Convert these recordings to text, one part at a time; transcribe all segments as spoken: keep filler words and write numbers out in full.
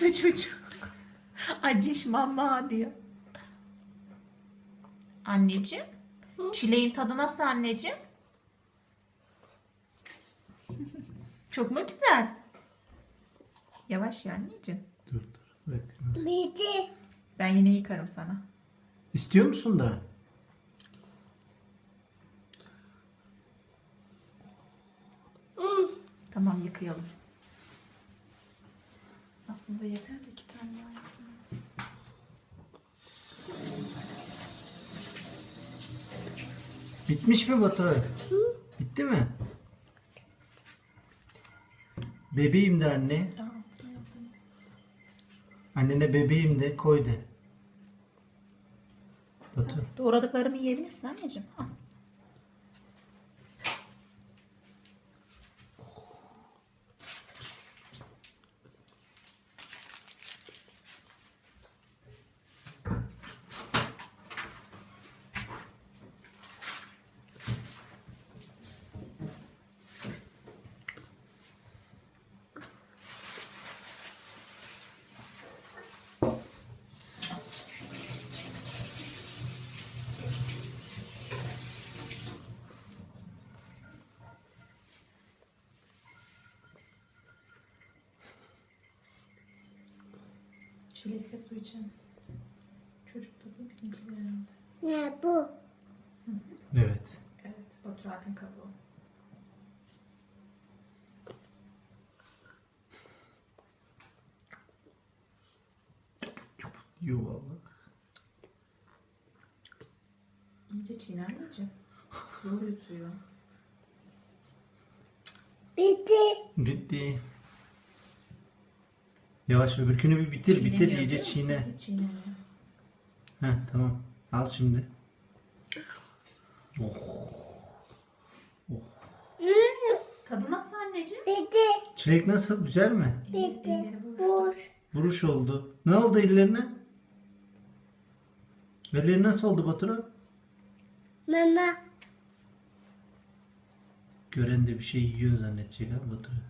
hasta çocuk. Aciş mama diyor. Anneciğim. Çileğin tadı nasıl anneciğim? Çok mu güzel? Yavaş ya anneciğim. Dur dur. Bekle. Bitti. Ben yine yıkarım sana. İstiyor musun da? Tamam yıkayalım. Aslında yeter de iki tane daha yapalım. Bitmiş mi Baturay? Bitti mi? Bebeğim de anne. Annene bebeğim de koy de. Batu. Doğradıklarımı yiyebilirsin anneciğim. Al. Çilekle su için. Çocuk tadı bizimkiler herhalde. Ne bu? Evet. Evet, Batur abinin kabuğu. Yuvalı. İyice çiğne anneciğim. Zor yutuyor. Bitti. Bitti. Yavaş öbürkünü bir bitir bitir Çiğnemiyor, iyice biliyor musun? çiğne. Hiç çiğnemiyor. Heh tamam. Al şimdi. Oh. Tadı nasıl anneciğim? Bitti. Çilek nasıl? Güzel mi? Bitti. Elleri buruştu. Vur. Buruş oldu. Ne oldu ellerine? Elleri nasıl oldu Baturay? Mama. Gören de bir şey yiyor zannedecek ha Baturay.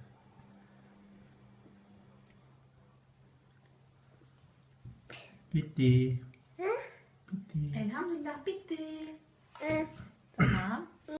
Bitti.